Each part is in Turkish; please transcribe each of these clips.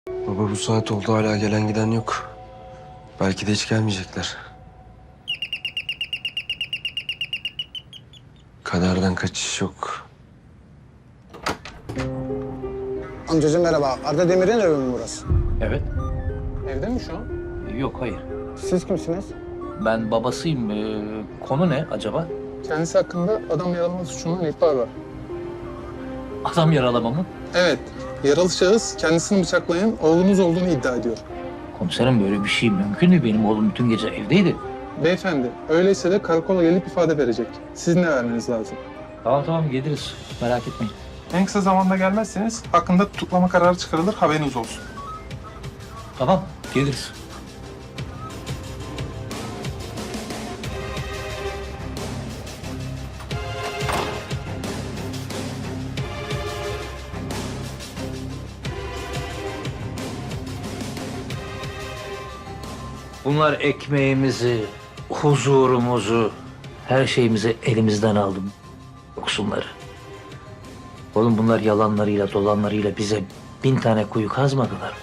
Baba bu saat oldu hala gelen giden yok. Belki de hiç gelmeyecekler. Kaderden kaçış yok. Amcacığım merhaba. Arda Demir'in evi mi burası? Evet. Evde mi şu an? Yok, hayır. Siz kimsiniz? Ben babasıyım. Konu ne acaba? Kendisi hakkında adam yaralama suçundan ihbar var. Adam yaralama mı? Evet, yaralı şahıs kendisini bıçaklayan oğlunuz olduğunu iddia ediyor. Komiserim, böyle bir şey mümkün mü? Benim oğlum bütün gece evdeydi. Beyefendi, öyleyse de karakola gelip ifade verecek. Sizin de vermeniz lazım. Tamam geliriz. Merak etmeyin. En kısa zamanda gelmezseniz hakkında tutuklama kararı çıkarılır, haberiniz olsun. Tamam, geliriz. Bunlar ekmeğimizi, huzurumuzu, her şeyimizi elimizden aldı. Yoksunları. Oğlum bunlar yalanlarıyla, dolanlarıyla bize 1000 tane kuyu kazmadılar.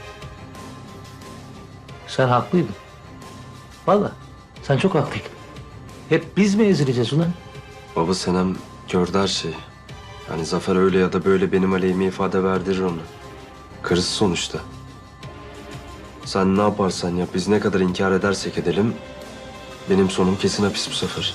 Sen haklıydın. Vallahi sen çok haklıydın. Hep biz mi ezileceğiz ulan? Baba Senem gördü her şeyi. Yani Zafer öyle ya da böyle benim aleyhime ifade verdirir onu. Karısı sonuçta. Sen ne yaparsan yap, biz ne kadar inkar edersek edelim... benim sonum kesin hapis bu sefer.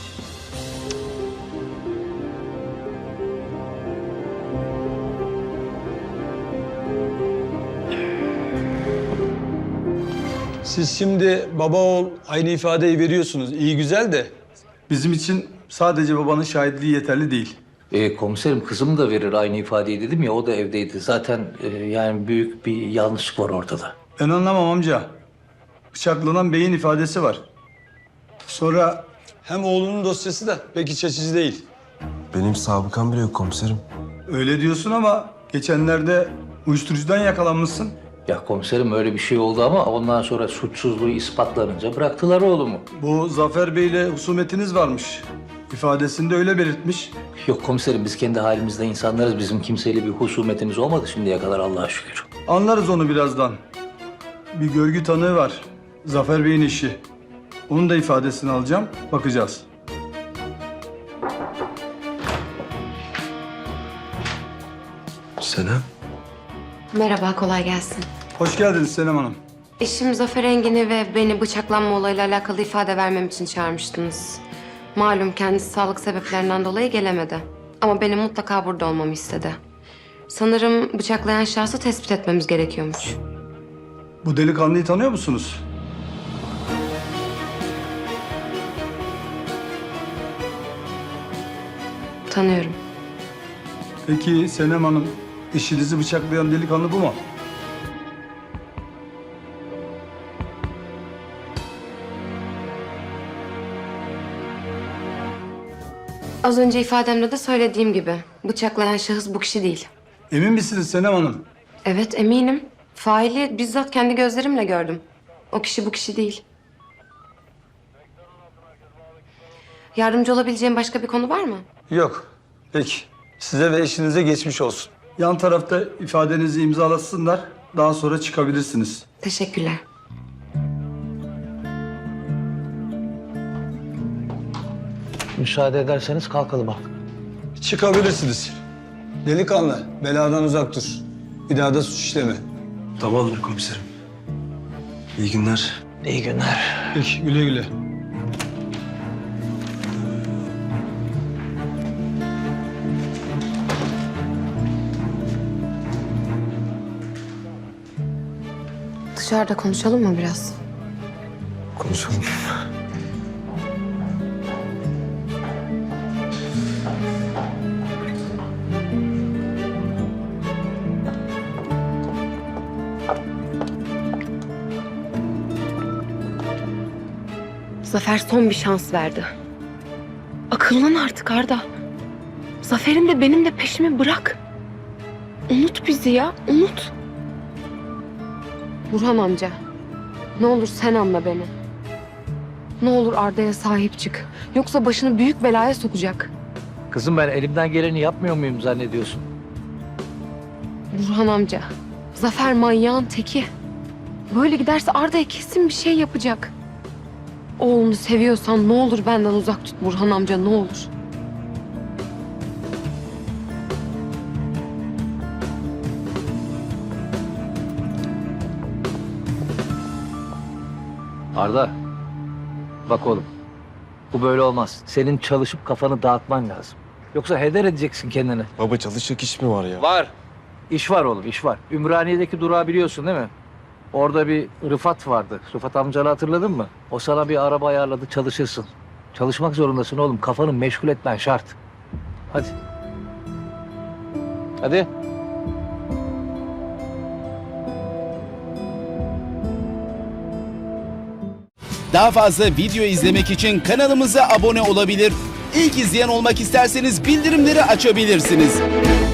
Siz şimdi baba oğul aynı ifadeyi veriyorsunuz. İyi güzel de bizim için sadece babanın şahitliği yeterli değil. Komiserim, kızım da verir aynı ifadeyi dedim ya, o da evdeydi. Zaten yani büyük bir yanlışlık var ortada. Ben anlamam amca. Bıçaklanan beyin ifadesi var. Sonra hem oğlunun dosyası da pek iç açıcı değil. Benim sabıkam bile yok komiserim. Öyle diyorsun ama geçenlerde uyuşturucudan yakalanmışsın. Ya komiserim, öyle bir şey oldu ama ondan sonra suçsuzluğu ispatlanınca bıraktılar oğlumu. Bu Zafer Bey'le husumetiniz varmış. İfadesinde öyle belirtmiş. Yok komiserim, biz kendi halimizde insanlarız. Bizim kimseyle bir husumetimiz olmadı şimdiye kadar, Allah'a şükür. Anlarız onu birazdan. Bir görgü tanığı var. Zafer Bey'in eşi. Onun da ifadesini alacağım. Bakacağız. Senem? Merhaba, kolay gelsin. Hoş geldiniz Senem Hanım. Eşim Zafer Engin'i ve beni bıçaklanma olayıyla alakalı ifade vermem için çağırmıştınız. Malum kendisi sağlık sebeplerinden dolayı gelemedi. Ama benim mutlaka burada olmamı istedi. Sanırım bıçaklayan şahsı tespit etmemiz gerekiyormuş. Bu delikanlıyı tanıyor musunuz? Tanıyorum. Peki Senem Hanım, eşinizi bıçaklayan delikanlı bu mu? Az önce ifademde de söylediğim gibi bıçaklayan şahıs bu kişi değil. Emin misiniz Senem Hanım? Evet, eminim. Faili bizzat kendi gözlerimle gördüm. O kişi bu kişi değil. Yardımcı olabileceğim başka bir konu var mı? Yok. Peki. Size ve eşinize geçmiş olsun. Yan tarafta ifadenizi imzalatsınlar. Daha sonra çıkabilirsiniz. Teşekkürler. Müsaade ederseniz kalkalım artık. Çıkabilirsiniz. Delikanlı, beladan uzak dur. Bir daha da suç işleme. Tamamdır komiserim. İyi günler. İyi günler. Peki, güle güle. Dışarıda konuşalım mı biraz? Konuşalım. Zafer son bir şans verdi. Akıllan artık Arda. Zafer'in de benim de peşimi bırak. Unut bizi ya, unut. Burhan amca, ne olur sen anla beni. Ne olur Arda'ya sahip çık. Yoksa başını büyük belaya sokacak. Kızım, ben elimden geleni yapmıyor muyum zannediyorsun? Burhan amca, Zafer manyağın teki. Böyle giderse Arda'ya kesin bir şey yapacak. Oğlunu seviyorsan ne olur benden uzak tut Burhan amca, ne olur. Arda, bak oğlum. Bu böyle olmaz. Senin çalışıp kafanı dağıtman lazım. Yoksa heder edeceksin kendini. Baba çalışacak iş mi var ya? Var. İş var oğlum, iş var. Ümraniye'deki durağı biliyorsun değil mi? Orada bir Rıfat vardı. Rıfat amcanı hatırladın mı? O sana bir araba ayarladı, çalışırsın. Çalışmak zorundasın oğlum. Kafanı meşgul etmen şart. Hadi. Hadi. Daha fazla video izlemek için kanalımıza abone olabilir. İlk izleyen olmak isterseniz bildirimleri açabilirsiniz.